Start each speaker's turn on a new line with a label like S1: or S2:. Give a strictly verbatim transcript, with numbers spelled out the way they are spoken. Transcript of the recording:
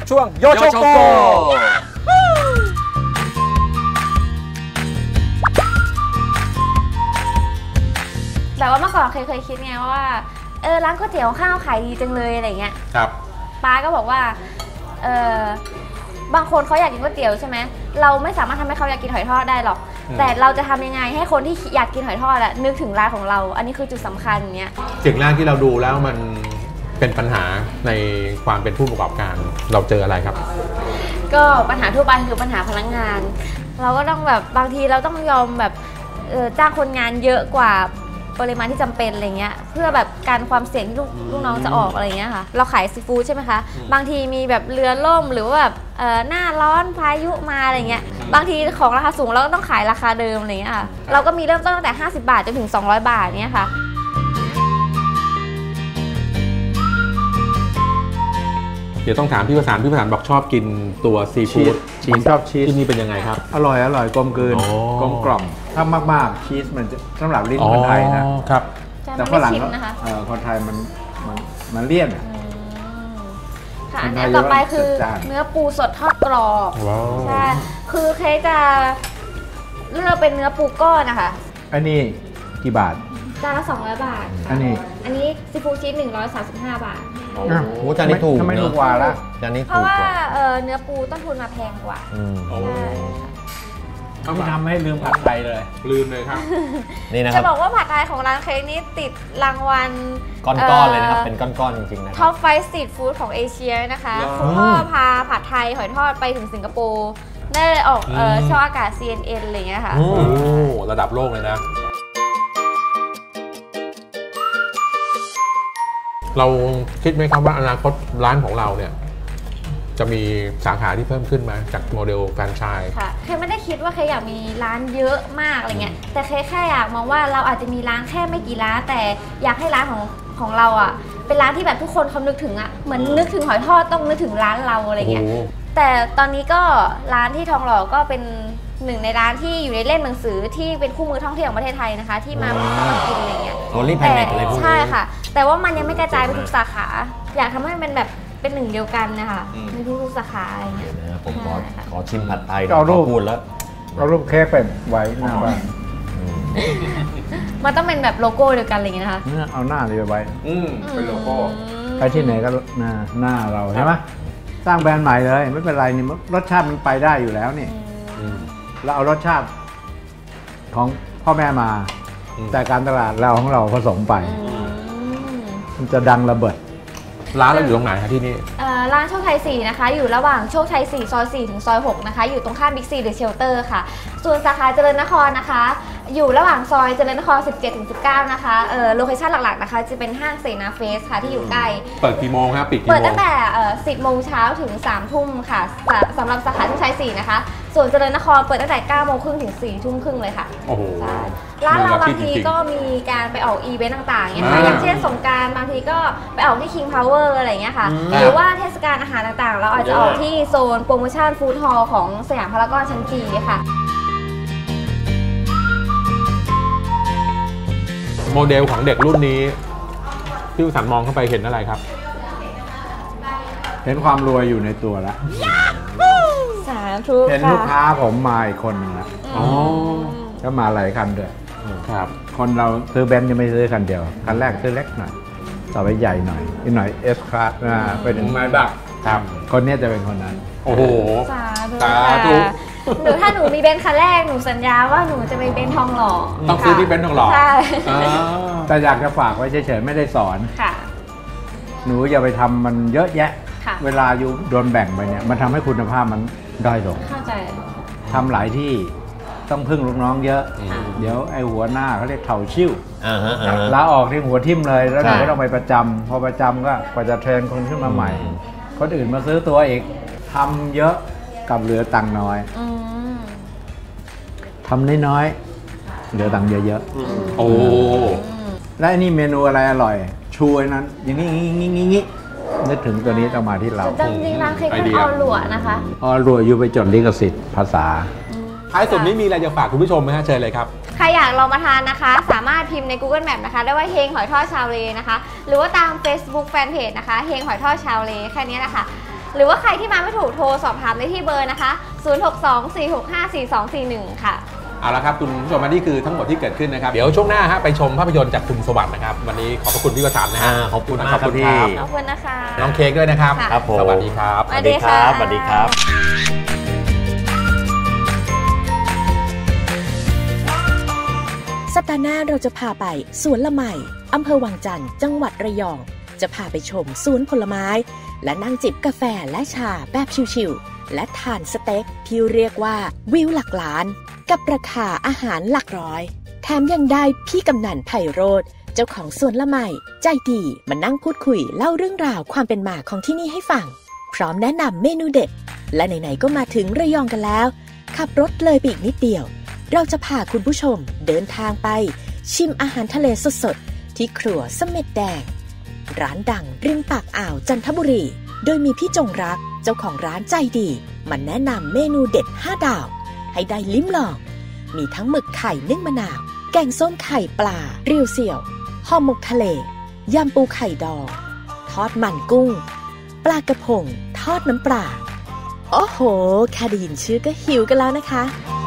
S1: ช่วงโยโชโก
S2: แต่ว่าเมื่อก่อนเคยเคยคิดไงว่าเออร้านก๋วยเตี๋ยวข้าวขายดีจังเลยอะไรเงี้ยครับป้าก็บอกว่าเออบางคนเขาอยากกินก๋วยเตี๋ยวใช่ไหมเราไม่สามารถทำให้เขาอยากกินหอยทอดได้หรอกแต่เราจะทำยังไงให้คนที่อยากกินหอยทอดอะนึกถึงร้านของเราอันนี้คือจุดสำคัญเนี้ย
S3: สิ่งแรกที่เราดูแล้วมันเป็นปัญหาในความเป็นผู้ประกอบการเราเจออะไรครับ
S2: ก็ปัญหาทั่วไปคือปัญหาพนักงาน เราก็ต้องแบบบางทีเราต้องยอมแบบจ้างคนงานเยอะกว่าปริมาณที่จำเป็นอะไรเงี้ยเพื่อแบบการความเสี่ยงที่ลูกลูกน้องจะออกอะไรเงี้ยค่ะเราขายซีฟู้ดใช่ไหมคะบางทีมีแบบเรือล่มหรือว่าแบบหน้าร้อนพายุมาอะไรเงี้ยบางทีของราคาสูงเราก็ต้องขายราคาเดิมอะไรเงี้ยค่ะเราก็มีเริ่มต้นตั้งแต่ห้าสิบบาทจนถึงสองร้อยบาทเนี้ยค่ะ
S3: เดี๋ยวต้องถามพี่ประสานพี่ประสานบอกชอบกินตัวซีฟู้ด
S4: ชีสชอบชีส
S3: ที่นี่เป็นยังไงครับ
S4: อร่อยอร่อยกลมกลืนกลมกล่อมถ้ามากๆชีสมันจะสำหรับลิ้นคนไทยนะครับแต่ฝรั่งคนไทยมันมันมันเลี่ยน
S2: ค่ะอันนี้ต่อไปคือเนื้อปูสดทอดกรอบใช่คือเคยจะเลือกเป็นเนื้อปูก้อนนะคะ
S4: อันนี้กี่บาท
S2: จานละสองร้อยบาท
S4: อันนี้
S2: อันนี้ซีฟู้ดชีสหนึ่งร้อยสามสิบห้าบาท
S3: โอ้โหจานนี้ถูก
S4: ทำไมถูกกว่าละ
S3: จานนี้
S2: เพราะว่าเนื้อปูต้นทุนมาแพงกว่า
S4: เขาไม่ทำให้ลืมผัดไทยเลย
S3: ลืมเลยครับ
S2: นี่นะครับจะบอกว่าผัดไทยของร้านเค้กนี้ติดรางวัล
S3: ก้อนๆเลยนะครับเป็นก้อนๆจริงๆนะ
S2: ท็อปไฟว์สตรีทฟู้ดของเอเชียนะคะคุณพ่อพาผัดไทยหอยทอดไปถึงสิงคโปร์ได้ออกช่องอากาศ ซี เอ็น เอ็น อะไรอย่างเงี้ยค่ะ
S3: โอ้ระดับโลกเลยนะเราคิดไหมครับว่าอนาคตร้านของเราเนี่ยจะมีสาขาที่เพิ่มขึ้นมาจากโมเดลแฟรนไชส์
S2: ค่ะเคยไม่ได้คิดว่าเคยอยากมีร้านเยอะมากอะไรเงี้ยแต่เคยแค่อยากมองว่าเราอาจจะมีร้านแค่ไม่กี่ร้านแต่อยากให้ร้านของของเราอ่ะเป็นร้านที่แบบทุกคนเขานึกถึงอ่ะเหมือนนึกถึงหอยทอดต้องนึกถึงร้านเราอะไรเงี้ยแต่ตอนนี้ก็ร้านที่ทองหล่อก็เป็นหนึ่งในร้านที่อยู่ในเล่มหนังสือที่เป็นคู่มือท่องเที่ยวของประเทศไทยนะคะที่มามากินอะไรเงี้ยแต่ใช่ค่ะแต่ว่ามันยังไม่กระจายไปทุกสาขาอยากทำให้มันแบบเป็นหนึ่งเดียวกันนะคะในทุกสาขาอะไรเงี้ย
S3: ผมขอขอชิมผัดไทยเราพูดแล้ว
S4: เรารูปเค้กเป็นไว้หน้าบ้าน
S2: มันต้องเป็นแบบโลโก้เดียวกันอะไรเงี้ยนะคะ
S4: เอาหน้าเลยไว้
S3: เป็นโลโก้
S4: ไปที่ไหนก็หน้าหน้าเราใช่ไหมสร้างแบรนด์ใหม่เลยไม่เป็นไรนี่รสชาติมันไปได้อยู่แล้วนี่เราเอารสชาติของพ่อแม่มาแต่การตลาดเราของเราผสมไปมันจะดังระเบิด
S3: ร้านเราอยู่ตรงไหนคะที่นี่
S2: ร้านโชคชัยสี่นะคะอยู่ระหว่างโชคชัยสี่ซอยสี่ถึงซอยหกนะคะอยู่ตรงข้ามบิ๊กซีเดอะเชลเตอร์ค่ะส่วนสาขาเจริญนครนะคะอยู่ระหว่างซอยเจริญนครสิบเจ็ดถึงสิบเก้านะคะเอ่อโลเคชั่นหลักๆนะคะจะเป็นห้างเสนาเฟสค่ะที่อยู่ใกล้
S3: เปิดกี่โมงครับปิดกี่โมง
S2: เปิดตั้งแต่สิบโมงเช้าถึงสามทุ่มค่ะสำหรับสาขาโชคชัยสี่นะคะส่วนเจริญนครเปิดตั้งแต่เก้าโมงครึ่งถึงสี่ทุ่มครึ่งเลยค่ะ
S3: โอ้โห
S2: ร้านเราบางทีก็มีการไปออกอีเวนต์ต่างๆอย่างอย่างเช่นสงกรานต์บางทีก็ไปออกที่ King Power อะไรอย่างเงี้ยค่ะหรือว่าเทศกาลอาหารต่างๆเราอาจจะออกที่โซนโปรโมชั่นฟู้ดฮอลล์ของสยามพารากอนชั้นจีค่ะ
S3: โมเดลของเด็กรุ่นนี้พี่สันมองเข้าไปเห็นอะไรครับ
S4: เห็นความรวยอยู่ในตัวแล้ว
S2: สาธุ
S4: เห็นลูกค้าผมมาอีกคนนึงแล้วก็มาหลายคันด้วยครับคนเราซื้อเบนซ์ยังไม่ซื้อคันเดียวคันแรกซื้อเล็กหน่อยต่อไปใหญ่หน่อยอีกหน่อยเอสคลาสไปถึงไม้บักครับคนนี้จะเป็นคนนั้น
S3: โอ้โห
S2: สาธุหนูถ้าหนูมีเบนซ์คันแรกหนูสัญญาว่าหนูจะไปเบนซ์ทองหล่อ
S3: ต้องซื้อที่เบนซ์ทองหล่อ
S2: ใช่
S4: แต่อยากจะฝากไว้เฉยๆไม่ได้สอนหนูอย่าไปทำมันเยอะแยะเวลาอยู่โดนแบ่งไปเนี่ยมันทำให้คุณภาพมันด้อยลง
S2: เข้าใจ
S4: ทำหลายที่ต้องพึ่งลูกน้องเยอะเดี๋ยวไอ้หัวหน้าเขาเรียกเถ่าชิ่วลาออกที่หัวทิ่มเลยแล้วหนูก็ต้องไปประจำพอประจำก็กว่าจะเทรนคนขึ้นมาใหม่คนอื่นมาซื้อตัวอีกทำเยอะกับเหลือตังค์น้อยทำน้อยๆเหลือตังค์เยอะ
S3: ๆโอ้
S4: และอันนี้เมนูอะไรอร่อยชูไอ้นั้นอย่างนี้งี้งี้งี้นึกถึงตัวนี้ต้องมาที่เรา
S2: จริงๆร้านเค้กเป็นออหลัวนะคะ
S4: ออหลัวอยู่ไปจดลิขสิทธิ์ภาษา
S3: ท้ายสุดนี้มีอะไรจะฝากคุณผู้ชมไหมฮะเชิญเลยครับ
S2: ใครอยากลองมาทานนะคะสามารถพิมพ์ใน Google Map นะคะได้ว่าเฮงหอยทอดชาวเลนะคะหรือว่าตาม Facebook Fanpage นะคะเฮงหอยทอดชาวเลแค่นี้แหละค่ะหรือว่าใครที่มาไม่ถูกโทรสอบถามได้ที่เบอร์นะคะศูนย์ หก สอง สี่ หก ห้า สี่ สอง สี่ หนึ่งค่ะ
S3: เอาละครับคุณผู้ชมนี่คือทั้งหมดที่เกิดขึ้นนะครับเดี๋ยวช่วงหน้าฮะไปชมภาพยนตร์จากคุณสวัสดิ์นะครับวันนี้ขอบพระคุณพี่วสันต์นะฮะ
S1: ขอบคุณมากครับพี่
S2: ขอบคุณนะคะ
S3: น้องเค้กด้วยนะครับ
S1: ครับผม
S3: สวัสดีครับ
S2: สวัสดีครับ
S1: สวัสดีครับ
S5: สัปดาห์หน้าเราจะพาไปสวนละไมอำเภอวังจันทร์จังหวัดระยองจะพาไปชมสวนผลไม้และนั่งจิบกาแฟและชาแบบชิลๆและทานสเต็กที่เรียกว่าวิวหลักล้านกับราคาอาหารหลักร้อยแถมยังได้พี่กำนันไพโรจน์เจ้าของสวนละไมใจดีมานั่งพูดคุยเล่าเรื่องราวความเป็นมาของที่นี่ให้ฟังพร้อมแนะนำเมนูเด็ดและไหนๆก็มาถึงระยองกันแล้วขับรถเลยไปอีกนิดเดียวเราจะพาคุณผู้ชมเดินทางไปชิมอาหารทะเลสดๆที่ครัวเสม็ดแดงร้านดังริมปากอ่าวจันทบุรีโดยมีพี่จงรักเจ้าของร้านใจดีมาแนะนำเมนูเด็ดห้าดาวให้ได้ลิ้มลองมีทั้งหมึกไข่นึ่งมะนาวแกงส้มไข่ปลาเรียวเสี่ยวห่อหมกทะเลยำปูไข่ดองทอดมันกุ้งปลากระพงทอดน้ำปลาโอ้โหแค่ได้ยินชื่อก็หิวกันแล้วนะคะ